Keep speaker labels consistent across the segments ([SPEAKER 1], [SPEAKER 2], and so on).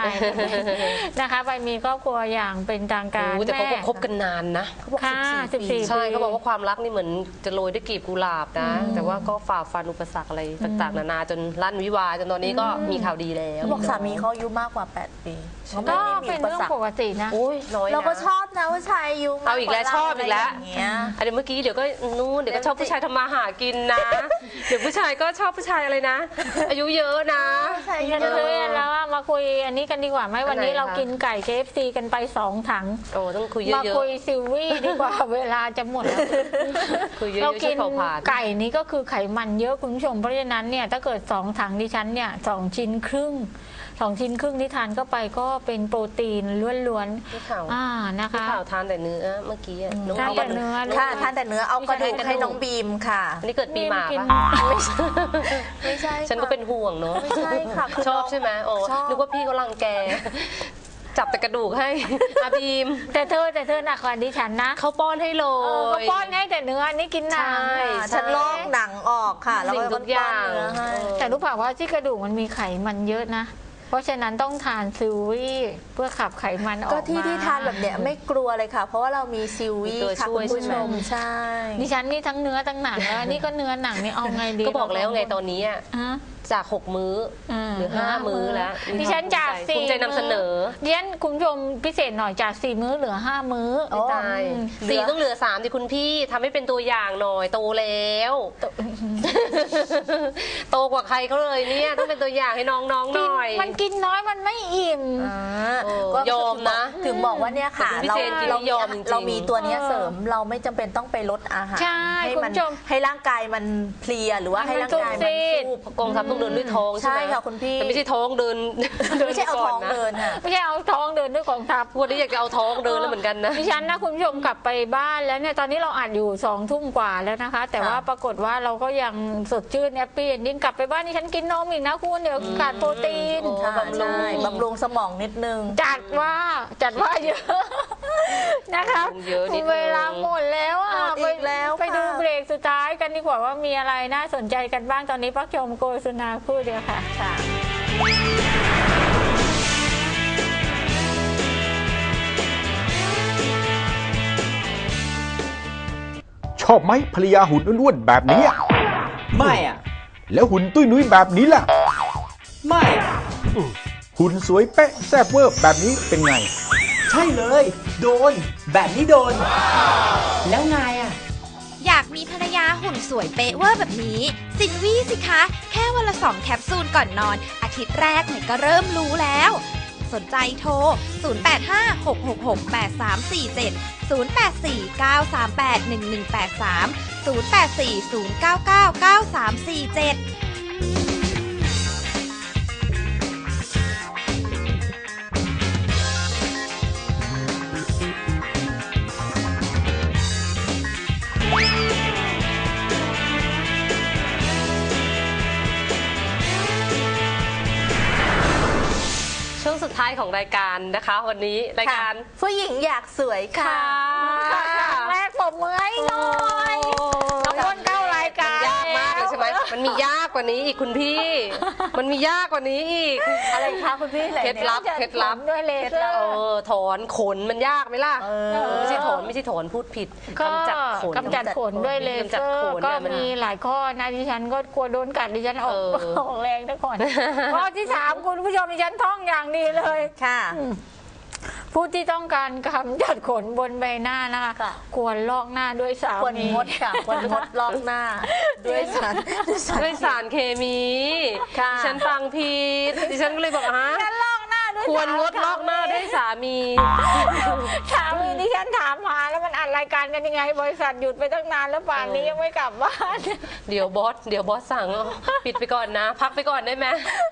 [SPEAKER 1] นะคะไปมีครอบครัวอย่างเป็นทางการ
[SPEAKER 2] แต่เขาคบกันนานนะเขาบอก14 ปีใช่เขาบอกว่าความรักนี่เหมือนจะโรยด้วยกลีบกุหลาบนะแต่ว่าก็ฝ่าฟันอุปสรรคอะไรต่างๆนานาจนลั่นวิวาจนตอนนี้ก็มีข่าวดีแล้ว
[SPEAKER 3] บอกสามีเขาอายุมากกว่า8 ปี
[SPEAKER 1] ก็เป็นเรื่องปกตินะ
[SPEAKER 3] เราก็ชอบนะผู้ชายอายุ
[SPEAKER 2] เอาอีกแล้วชอบอีกแล้วอันนี้เมื่อกี้เดี๋ยวก็นู่นเดี๋ยวก็ชอบผู้ชายทำมาหากินนะเดี๋ยวผู้ชายก็ชอบผู้ชายอะไรนะอายุเยอะนะ
[SPEAKER 1] แล้วมาคุยอันนี้กันดีกว่าไหมวันนี้เรากินไก่ KFC กันไป2 ถัง
[SPEAKER 2] โอ้ต้องคุยเยอะ
[SPEAKER 1] มาคุยซิลวี่ดีกว่าเวลาจะหมดแล้วเรากินไก่นี้ก็คือไขมันเยอะคุณผู้ชมเพราะฉะนั้นเนี่ยถ้าเกิด2 ถังดิฉันเนี่ย2 ชิ้นครึ่งที่ทานเข้าไปก็เป็นโปรตีนล้วน
[SPEAKER 2] ๆนะคะข่าวทานแต่เนื้อเมื่อกี้
[SPEAKER 1] ทานแต่เนื้อ
[SPEAKER 3] ค่ะทานแต่เนื้อเอากระดูกให้น้องบีมค่ะ
[SPEAKER 2] อันนี้เกิดปีหมาปะ
[SPEAKER 3] ไม่ใช่
[SPEAKER 2] ฉันก็เป็นห่วงเนาะ
[SPEAKER 3] ไม่ใช่ค่ะ
[SPEAKER 2] ชอบใช่ไหมโอ้นึกว่าพี่เขารังแกจับแต่กระดูกให้อาบีม
[SPEAKER 1] แต่เธอหนักกว่าดิฉันนะ
[SPEAKER 2] เขาป้อนให้เลย
[SPEAKER 1] เขาป้อนให้แต่เนื้อนี่กินหนัง
[SPEAKER 3] ฉันลอกหนังออกค่ะแล้วก็
[SPEAKER 2] ทุกอย่าง
[SPEAKER 1] แต่รู้เปล่าว่าที่กระดูกมันมีไขมันเยอะนะเพราะฉะนั้นต้องทานซิลวี่เพื่อขับไขมันออกมา
[SPEAKER 3] ก็ที่ทานแบบเนี้ยไม่กลัวเลยค่ะเพราะว่าเรามีซิลวี่ค่ะคุณผู้ชมใช่
[SPEAKER 1] ดิฉันนี่ทั้งเนื้อทั้งหนังแล้วนี่ก็เนื้อหนังนี่เอาไงดี
[SPEAKER 2] ก็บอกแล้วไงตอนนี้จาก6 มื้อหรือ5 มื้อแล้ว
[SPEAKER 1] ดิฉันจาก
[SPEAKER 2] ภูมิใจนำเสนอ
[SPEAKER 1] ดิฉันคุณผู้ชมพิเศษหน่อยจาก4 มื้อเหลือ5 มื้อ
[SPEAKER 2] ใช่4ต้องเหลือ3ดิคุณพี่ทำให้เป็นตัวอย่างหน่อยโตแล้วโตกว่าใครเขาเลยเนี่ยต้องเป็นตัวอย่างให้น้องๆหน่อย
[SPEAKER 1] มันกินน้อยมันไม่อิ่ม
[SPEAKER 2] ยอมนะ
[SPEAKER 3] ถึงบอกว่าเนี่ยค่ะเรามีตัวนี้เสริมเราไม่จำเป็นต้องไปลดอาหารให้มันให้ร่างกายมันเพลียหรือว่าให้ร่างกายมันสู้
[SPEAKER 2] กองทัพต้องเดินด้วยท้องใช่ไหม
[SPEAKER 3] ค่ะคุณพี่
[SPEAKER 2] แต่ไม่ใช่ท้องเดิน
[SPEAKER 3] ไม่ใช่เอาท้องเดินค่ะ
[SPEAKER 1] ไม่ใช่เอาท้องเดินด้วยกองทัพ
[SPEAKER 2] วันนี้อยากจะเอาท้องเดินแล้วเหมือนกันนะ
[SPEAKER 1] ดิฉันนะคุณผู้ชมกลับไปบ้านแล้วเนี่ยตอนนี้เราอัดอยู่2 ทุ่มกว่าแล้วนะคะแต่ว่าปรากฏว่าเราก็ยังสดชื่นแฮปปี้ยิ่งกลับไปบ้านนี่ฉันกินนมอีกนะคุณเดี๋ยวขาดโปรตีน
[SPEAKER 3] บำรุงสมองนิดนึง
[SPEAKER 1] จัดว่าเยอะนะคะเวลาหมดแล้วไปดูเบรกสุดท้ายกันดีกว่าว่ามีอะไรน่าสนใจกันบ้างตอนนี้พักชมโฆษณาคู่เดียวค่ะ
[SPEAKER 4] ชอบไหมภรรยาหุ่นอ้วนๆแบบนี้
[SPEAKER 5] ไม่อ่ะ
[SPEAKER 4] แล้วหุ่นตุ้ยนุ้ยแบบนี้ล่ะ
[SPEAKER 5] ไม่
[SPEAKER 4] หุ่นสวยเป๊ะแซ่บเวอร์แบบนี้เป็นไง
[SPEAKER 5] ใช่เลยโดนแบบนี้โดนแล้วไงอ่ะ
[SPEAKER 6] อยากมีภรรยาหุ่นสวยเป๊ะเวอร์แบบนี้ซินวี่สิคะแค่วันละ2 แคปซูลก่อนนอนอาทิตย์แรกเนี่ยก็เริ่มรู้แล้วสนใจโทร 085668334084 0840999347
[SPEAKER 2] ช่วงสุดท้ายของรายการนะคะวันนี้รายการ
[SPEAKER 3] ผู้หญิงอยากสวยค่ะ
[SPEAKER 1] แรกผมเมื่อยหน่อยน้องอ้นเข้ารายการ
[SPEAKER 2] ยากมากเลยใช่ไหมมันมียากกว่านี้อีกคุณพี่มันมียากกว่านี้อีก
[SPEAKER 3] อะไรคะคุณพี่
[SPEAKER 2] เคล็ดลับ
[SPEAKER 1] ด้วยเลเซอ
[SPEAKER 2] ร์ถอนขนมันยากไหมล่ะไม่ใช่ถอนพูดผิด
[SPEAKER 1] กำจัดขนด้วยเลเซอร์ก็มีหลายข้อนะดิฉันก็กลัวโดนกัดดิฉันออกแรงทุกคนข้อที่3คุณผู้ชมดิฉันท่องอย่างดีเลย
[SPEAKER 3] ค่ะ
[SPEAKER 1] ผู้ที่ต้องการกำจัดขนบนใบหน้านะคะควรลอกหน้าด้วยสาร
[SPEAKER 3] ควรงดค่ะควรงดลอกหน้าด้วย
[SPEAKER 2] สารเคมีดิฉันฟังผิดดิฉันก็เลยบอก
[SPEAKER 1] ลอกหน้าด้วย
[SPEAKER 2] ควรงดลอกหน้าด้วยสามี
[SPEAKER 1] ดิฉันถามหาแล้วมันอัดรายการกันยังไงบริษัทหยุดไปตั้งนานแล้วป่านนี้ยังไม่กลับบ้าน
[SPEAKER 2] เดี๋ยวบอสสั่งปิดไปก่อนนะพักไปก่อนได้ไหม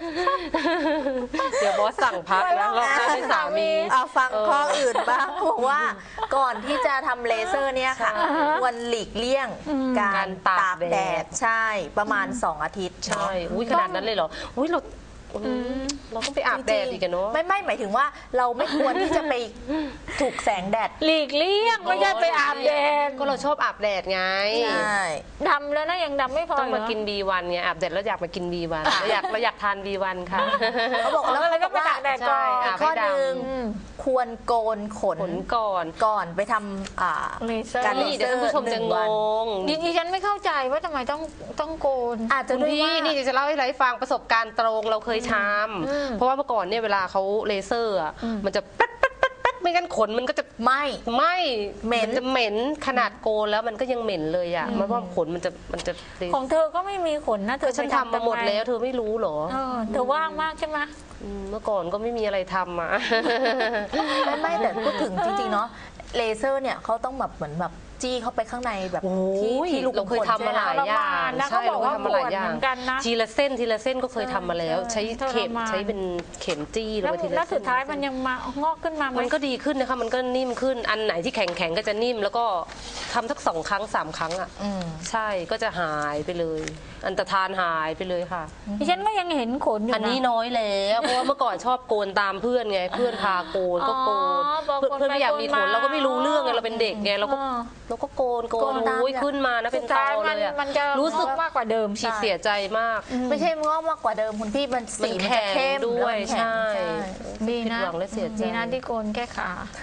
[SPEAKER 2] เดี๋ยวบอสสั่งพักนะลอกหน้าด้วยสามี
[SPEAKER 3] ฟังข้ออื่นบ้างเพราะว่าก่อนที่จะทำเลเซอร์เนี่ยค่ะควรหลีกเลี่ยงการตากแดดใช่ประมาณ2 อาทิตย์
[SPEAKER 2] ใช่ขนาดนั้นเลยเหรอเราเราก็ไปอาบแดดอีกกันเนาะ
[SPEAKER 3] ไม่หมายถึงว่าเราไม่ควรที่จะไปถูกแสงแดด
[SPEAKER 1] หลีกเลี่ยงไม่ใช่ไปอาบแดด
[SPEAKER 2] ก็เราชอบอาบแดดไง
[SPEAKER 3] ใช่
[SPEAKER 1] ดำแล้วนะยังดำไม่พอ
[SPEAKER 2] ต้องมา
[SPEAKER 1] เหร
[SPEAKER 2] กิน B1 ไงอาบแดดแล้วอยากมากิน B1 เราอยากทาน B1 ค่ะ
[SPEAKER 3] เขาบอกแล้ว
[SPEAKER 1] แล้ว
[SPEAKER 3] เขา
[SPEAKER 1] ก็
[SPEAKER 3] บอก
[SPEAKER 1] ไป
[SPEAKER 3] ว่า
[SPEAKER 1] ตากแดดก่อน
[SPEAKER 2] ใช่
[SPEAKER 3] ข้อหนึ่งควรโกนขน
[SPEAKER 2] ผลก่อน
[SPEAKER 3] ก่อนไปทำ
[SPEAKER 1] เลเซอร์
[SPEAKER 3] การเล
[SPEAKER 2] นี่
[SPEAKER 3] เซ
[SPEAKER 2] เดี๋ยว
[SPEAKER 3] อ
[SPEAKER 2] ท่าน
[SPEAKER 3] ร์
[SPEAKER 2] ผู้ชม
[SPEAKER 3] ห
[SPEAKER 2] จะ
[SPEAKER 3] นึ่ง
[SPEAKER 2] ง
[SPEAKER 3] วัน
[SPEAKER 2] ง
[SPEAKER 1] ดิฉันไม่เข้าใจว่าทำไมต้องโกน
[SPEAKER 3] อาจจะ
[SPEAKER 2] คุณ
[SPEAKER 3] ด้วย
[SPEAKER 2] พี่
[SPEAKER 3] ว่า
[SPEAKER 2] นี่จะเล่าให้ฟังประสบการณ์ตรงเราเคยทำเพราะว่าเมื่อก่อนเนี่ยเวลาเขาเลเซอร์อ่ะมันจะแป๊ดไม่งั้นขนมันก็จะ
[SPEAKER 3] ไม่ เหม็น
[SPEAKER 2] นจะเหม็นขนาดโกนแล้วมันก็ยังเหม็นเลยอ่ะมันว่าขนมันจะ
[SPEAKER 1] ของเธอก็ไม่มีขนนะเธอ
[SPEAKER 2] ฉัน
[SPEAKER 1] ไป
[SPEAKER 2] ทำมาหมดแล้ว
[SPEAKER 1] ไ
[SPEAKER 2] เธอไม่รู้เหรอ
[SPEAKER 1] เธอว่างมากใช่ไหม
[SPEAKER 2] เมื่อก่อนก็ไม่มีอะไรทำอ่ะ
[SPEAKER 3] ไม่แต่พูดถึงจริงๆเนาะเลเซอร์เนี่ยเขาต้องแบบเหมือนแบบจี้เข้าไปข้างในแบบ
[SPEAKER 2] โอ้
[SPEAKER 3] ที่
[SPEAKER 2] ย
[SPEAKER 3] ลูก
[SPEAKER 2] เราเคยทำมาหลายอย่าง
[SPEAKER 1] นะ
[SPEAKER 2] ใช่
[SPEAKER 1] เขาบอกว่า
[SPEAKER 2] เราเคยทำมาหลายอย่าง
[SPEAKER 1] ปวดเหมือนกันนะ
[SPEAKER 2] ทีละเส้นก็เคยทำมาแล้ว ใช้เข็ม
[SPEAKER 1] ทรมาน
[SPEAKER 2] ใช้เป็นเข็มจี้ลง
[SPEAKER 1] แล้ว
[SPEAKER 2] ไปทีละ
[SPEAKER 1] แล้ว
[SPEAKER 2] เส้น
[SPEAKER 1] สุดท้ายมันยังมางอกขึ้นมาไหม
[SPEAKER 2] มันก็ดีขึ้นนะคะมันก็นิ่มขึ้นอันไหนที่แข็งก็จะนิ่มแล้วก็ทำสัก2 ครั้ง 3 ครั้งอ่ะใช่ก็จะหายไปเลย อันตรธานหายไปเลยค่ะ
[SPEAKER 1] ดิฉันก็ยังเห็นขนอยู่นะ
[SPEAKER 2] อันนี้น้อยแล้วเพราะว่าเมื่อก่อนชอบโกนตามเพื่อนไงเพื่อนพาโกนก็โกน
[SPEAKER 1] บอก
[SPEAKER 2] เพื่อนไม่อยากมีขนเราก็ไม่รู้เรื่องไงเราเป็นเด็กไงเราก็
[SPEAKER 1] อ๋อ
[SPEAKER 2] โกน
[SPEAKER 3] โกนตาม
[SPEAKER 2] โอ้ยขึ้นมานะเป็นตอเลยอะ
[SPEAKER 1] มันจะ
[SPEAKER 2] รู้สึก
[SPEAKER 1] มากกว่าเดิม
[SPEAKER 2] ฉีดเสียใจมาก
[SPEAKER 3] ไม่ใช่งอกมากกว่าเดิมคุณพี่มันสีมันจะเข้ม
[SPEAKER 2] ด้วย
[SPEAKER 3] แล้วมันแข็ง
[SPEAKER 2] ใช่
[SPEAKER 1] ดีนะ
[SPEAKER 2] ผิดหวังและเสียใจ
[SPEAKER 1] ดีนะที่โกนแค่ขา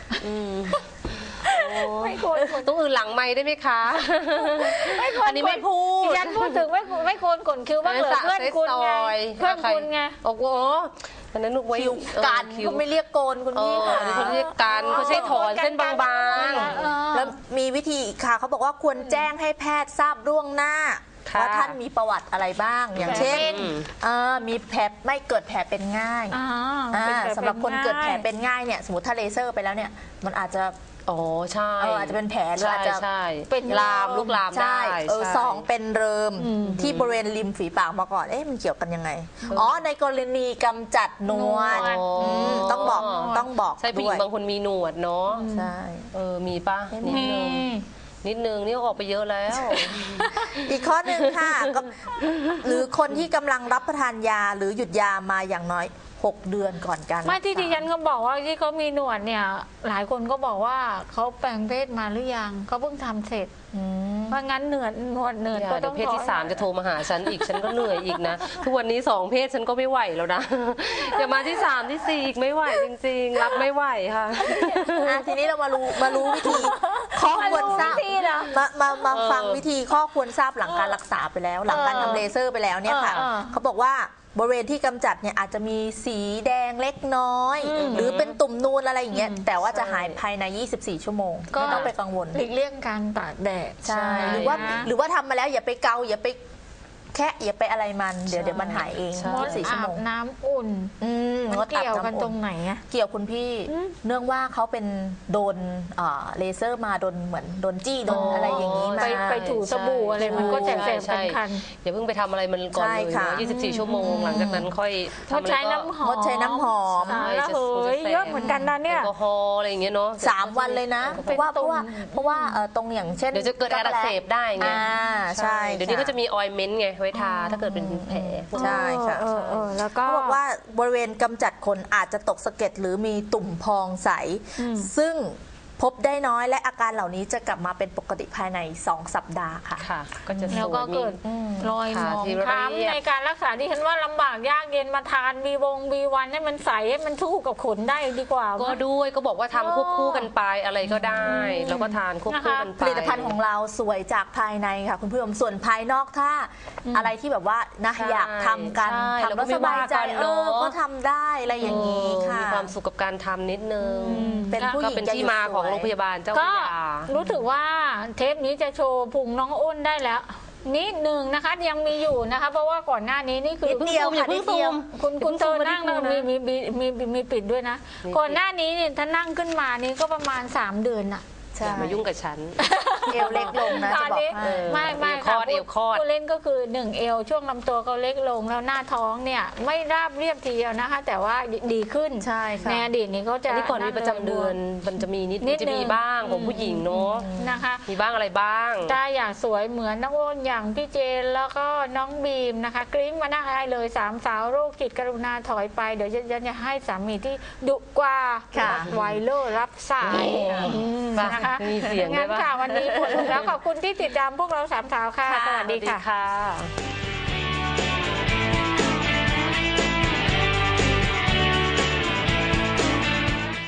[SPEAKER 2] ไม่โกนต้องอื่นหลังไม้ได้ไหมคะอันนี้ไม่พูด
[SPEAKER 1] ดิฉันพูดถึงไม่โกนขนคิ้วบ้างเหรอเพื่อนคุณไงเพื่อนคุณไง
[SPEAKER 2] โอ้โหอันนั้นนึกไว้
[SPEAKER 3] คิ้วกัน
[SPEAKER 2] คิ้ว
[SPEAKER 3] เขาไม่เรียกโกนคุณพี่ค่ะ
[SPEAKER 2] เขาเรียกกันเขาใช้ถอนเส้นบาง
[SPEAKER 3] แล้วมีวิธีอีกค่ะเขาบอกว่าควรแจ้งให้แพทย์ทราบล่วงหน้า
[SPEAKER 2] ค่ะ
[SPEAKER 3] ว่าท่านมีประวัติอะไรบ้าง อย่างเช่นมีแผลไม่เกิดแผลเป็นง่าย สำหรับคนเกิดแผลเป็นง่ายเนี่ยสมมติถ้าเลเซอร์ไปแล้วเนี่ยมันอาจจะ
[SPEAKER 2] อ๋อใช่
[SPEAKER 3] อาจจะเป็นแผลหรืออาจจะ
[SPEAKER 2] ใช่
[SPEAKER 3] เป็น
[SPEAKER 2] ลามลุกลามได้
[SPEAKER 3] ใช่
[SPEAKER 2] ใช่
[SPEAKER 3] สองเป็นเริมที่บริเวณริมฝีปากมาก่อนมันเกี่ยวกันยังไงในกรณีกำจัดหนวดต้องบอก
[SPEAKER 2] ใช่ผู้หญิ
[SPEAKER 3] ด้
[SPEAKER 2] ง
[SPEAKER 3] วย
[SPEAKER 2] บางคนมีหนวดเนาะ
[SPEAKER 3] ใช่
[SPEAKER 2] มีป่ะนิดนึงนี่ออกไปเยอะแล้ว
[SPEAKER 3] อีกข้อหนึ่งค่ะหรือคนที่กำลังรับประทานยาหรือหยุดยามาอย่างน้อย6 เดือนก่อนการ
[SPEAKER 1] ไม่ที่
[SPEAKER 3] รักษา
[SPEAKER 1] ดิฉันเขาบอกว่าที่เขามีหนวดเนี่ย หลายคนก็บอกว่าเขาแปลงเพศมาหรือยังเขาเพิ่งทำเสร็จเพราะงั้นหนวดก็
[SPEAKER 2] เดี๋
[SPEAKER 1] ต้
[SPEAKER 2] ย
[SPEAKER 1] อ
[SPEAKER 2] ว
[SPEAKER 1] ง
[SPEAKER 2] เพศที่ 3 จะโทรมาหาฉันอีกฉันก็เหนื่อยอีกนะ ทุกวันนี้2 เพศฉันก็ไม่ไหวแล้วนะอย่ามาที่3ที่4อีกไม่ไหวจริงๆรับไม่ไหวค่ะ
[SPEAKER 3] ทีนี้เรามารู้วิธีข้อควรทราบมาฟังวิธีข้อควรทราบหลังการรักษาไปแล้ว หลังการทำเลเซอร์ไปแล้วเนี่ยค่ะเขาบอกว่าบริเวณที่กำจัดเนี่ยอาจจะมีสีแดงเล็กน้อย หรือเป็นตุ่มนูนอะไรอย่างเงี้ยแต่ว่าจะหายภายใน24 ชั่วโมงไม่ต้องไปกังวล
[SPEAKER 1] หลีกเลี่ยงการตากแดด
[SPEAKER 3] ใช่หรือว่าทำมาแล้วอย่าไปเกาอย่าไปแค่อย่าไปอะไรมันเดี๋ยวมันหายเอง
[SPEAKER 2] ใช่
[SPEAKER 3] 24 ชั่วโมง
[SPEAKER 1] อาบน้ำอุ่น
[SPEAKER 3] ง
[SPEAKER 1] มัน
[SPEAKER 3] ดอา
[SPEAKER 1] เกี่
[SPEAKER 3] บ
[SPEAKER 1] ยวกัน
[SPEAKER 3] น้ำ
[SPEAKER 1] ตร
[SPEAKER 3] อุ่น
[SPEAKER 1] งไหนอะ
[SPEAKER 3] เกี่ยวคุณพี่เนื่องว่าเขาเป็นโดนเลเซอร์มาโดนเหมือนโดนจี้โดนอะไรอย่างนี้มา
[SPEAKER 1] ไปถูสบู่อะไรมันก็แสบ
[SPEAKER 2] ใช่
[SPEAKER 1] ๆคัน
[SPEAKER 2] อย่าเพิ่งไปทำอะไรมันก่อน
[SPEAKER 3] ใช่
[SPEAKER 2] เลย
[SPEAKER 3] ค่ะ
[SPEAKER 2] เนอะ24 ชั่วโมงหลังจากนั้นค่อย
[SPEAKER 1] ๆ
[SPEAKER 2] ทำ
[SPEAKER 1] งด
[SPEAKER 2] อะไร
[SPEAKER 1] ใช้
[SPEAKER 2] ก็
[SPEAKER 1] น้ำหอม
[SPEAKER 3] งดใช้น้ำหอม
[SPEAKER 2] ใช่
[SPEAKER 1] แล้วเฮ้ยเยอะเหมือนกันนะเนี่ย
[SPEAKER 2] แอลกอฮอล์อะไรอย่างเงี้ยเนาะ
[SPEAKER 3] 3 วันเลยนะ เพราะว่าตรงอย่างเช่น
[SPEAKER 2] เดี๋ยวจะเกิดการอักเสบได้ไง
[SPEAKER 3] ใช่
[SPEAKER 2] เดี๋ยวนี้ก็จะมีออยล์เมนต์ไงไว้ทาถ้าเกิดเป็นแผล
[SPEAKER 3] ใช่ค่ะ
[SPEAKER 1] แล้วก็
[SPEAKER 3] เขาบอกว่าบริเวณกำจัดขนอาจจะตกสะเก็ดหรือมีตุ่มพองใส ซึ่งพบได้น้อยและอาการเหล่านี้จะกลับมาเป็นปกติภายใน 2 สัปดาห์ค่ะ
[SPEAKER 2] ค่ะ ก็จะส
[SPEAKER 1] แล้ว
[SPEAKER 2] วย
[SPEAKER 1] ก็
[SPEAKER 2] มี
[SPEAKER 1] เกิดรอยหมอง
[SPEAKER 2] ขาที่เรียบ
[SPEAKER 1] คล้ำในการรักษาที่ฉันว่าลำบากยากเย็นมาทานB1 ให้มันใสให้มันสู้กับขนได้ดีกว่า
[SPEAKER 2] ก็ด้วยก็บอกว่าทำควบคู่กันไปอะไรก็ได้ แล้วก็ทานควบคู่กันไป
[SPEAKER 3] ผลิตภัณฑ์ของเราสวยจากภายในค่ะคุณผู้ชมส่วนภายนอกถ้าอะไรที่แบบว่านะ
[SPEAKER 2] ใช่
[SPEAKER 3] อยากทำกัน
[SPEAKER 2] ใช่
[SPEAKER 3] ทำแล้วสบายใจ
[SPEAKER 2] แล้วก็ไม่ว่ากันเนอะ
[SPEAKER 3] ก็ทำได้อะไรอย่างนี้ค่ะ
[SPEAKER 2] มีความสุขกับการทำนิดนึง
[SPEAKER 3] เป็นผู้ห
[SPEAKER 2] ก็
[SPEAKER 3] ญิง
[SPEAKER 2] เป็น
[SPEAKER 3] จะ
[SPEAKER 2] ที่มาของโรงพยาบาลเจ้าพ
[SPEAKER 1] ก็
[SPEAKER 2] ระยา
[SPEAKER 1] รู้สึกว่าเทปนี้จะโชว์พุงน้องอ้นได้แล้วนิดหนึ่งนะคะยังมีอยู่นะคะ เพราะว่าก่อนหน้านี้นี่คือ
[SPEAKER 3] นิดเดียวค่ะนิดเดียว
[SPEAKER 1] คุณเธอนั่งแล้วมีปิดด้วยนะ ก่อนหน้านี้เนี่ยถ้านั่งขึ้นมานี่ก็ประมาณ3 เดือนอะ
[SPEAKER 3] ใช่
[SPEAKER 2] อย่ามายุ่งกับฉัน
[SPEAKER 3] เอวเล็กลงนะ
[SPEAKER 1] ต
[SPEAKER 3] จะ
[SPEAKER 1] อน
[SPEAKER 3] บอก
[SPEAKER 1] นี้
[SPEAKER 3] ให้
[SPEAKER 1] ไม่
[SPEAKER 2] เอวคลอด
[SPEAKER 1] ค่ะ
[SPEAKER 2] เอวคลอด
[SPEAKER 1] ผู้เล่นก็คือ1เอวช่วงลำตัวเขาเล็กลงแล้วหน้าท้องเนี่ยไม่ราบเรียบทีเดียวนะคะ แต่ว่าดีขึ้น
[SPEAKER 3] ใช่ค่ะ
[SPEAKER 1] ในอดีตนี้เขาจะ
[SPEAKER 2] อันนี้ก่อนมีประจำเดือนมันจะมีนิดจะมีบ้างของผู้หญิงเนาะ
[SPEAKER 1] นะคะ
[SPEAKER 2] มีบ้างอะไรบ้าง
[SPEAKER 1] ถ้าอยากสวยเหมือนน้องโอนอย่างพี่เจนแล้วก็น้องบีมนะคะ กริ้งมาหน้าได้เลย3สาวโรคจิตกรุณาถอยไปเดี๋ยวฉันจะให้สามีที่ดุกว่า
[SPEAKER 3] ค่ะ
[SPEAKER 1] ไวเลอร์รับสายนะคะ
[SPEAKER 2] มีเสียงด้วย
[SPEAKER 1] งั้น
[SPEAKER 2] ปะ
[SPEAKER 1] ค่ะวันนี้หมดแล้วขอบคุณที่ติดตามพวกเรา3สาวค่ะ สวัสดีค่ะ
[SPEAKER 2] ค่ะ